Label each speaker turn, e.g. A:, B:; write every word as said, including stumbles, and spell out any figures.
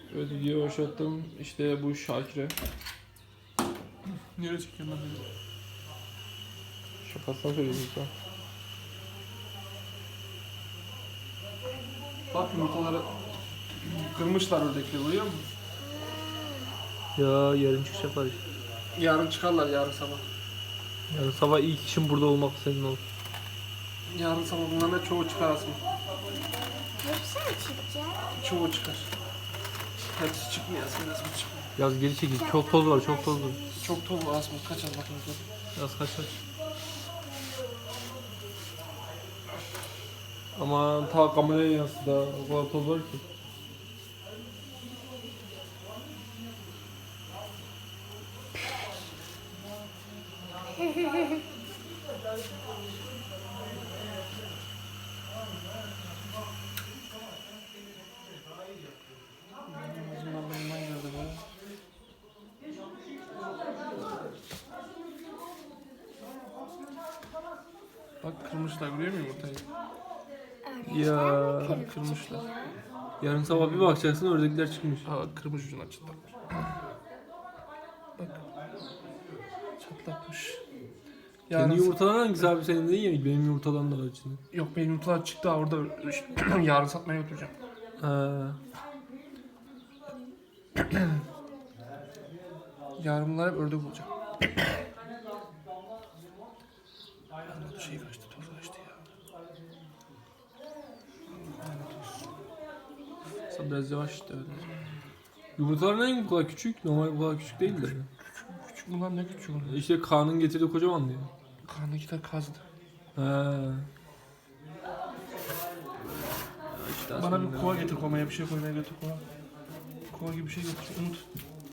A: Evet, video başlattım. İşte bu Şakir'e.
B: Nereye çekiyorsun lan beni?
A: Şakasına söylüyorsun sen.
B: Bak yumurtaları kırmışlar oradakileri, görüyor musun?
A: Ya yarın çıkacaklar işte.
B: Yarın çıkarlar, yarın sabah.
A: Yarın sabah ilk işim burada olmak senin olsun.
B: Yarın sabah bunların da çoğu çıkar aslında.
C: Hepsi mi çıkacak?
B: Çoğu çıkar. Hepsi çıkmıyor aslında, hepsi çıkmıyor.
A: Yaz geri çekil. Çok toz var, çok toz var.
B: Çok toz var aslında, kaç az bakayım.
A: Yaz kaç kaç. Ama ta kameraya yansıdı ha. O kadar toz var ki.
B: Ağzımdan burnumdan girdi be. Bak kırmışlar, görüyor musun yumurtayı?
A: Ya
B: Bak kırmışlar.
A: yarın sabah bir bakacaksın oradakiler çıkmış.
B: Aa, kırmış ucundan çatlatmış. Bak. Çatlatmış.
A: Kendi
B: Yarın
A: yumurtadan hangisi abi senin değil ya? Benim yumurtadan da var içinde.
B: Yok, benim yumurtalar çıktı ha, orada yarın satmaya götüreceğim.
A: Ha.
B: Yarın bunlar hep ördek olacak. Anladı, şey kaçtı, toz kaçtı ya.
A: Sen biraz yavaş işte öyle. Yumurtalar ne bu kadar küçük? Normal bu kadar küçük değil de.
B: Küçük bunlar, ne küçük bunlar?
A: İşte Kaan'ın getirdiği kocaman diyor.
B: Karnındakiler kazdı.
A: Ha. İşte
B: Bana bir kova getir, kovaya bir şey koymaya götür, kova. Kova gibi bir şey getir, unut.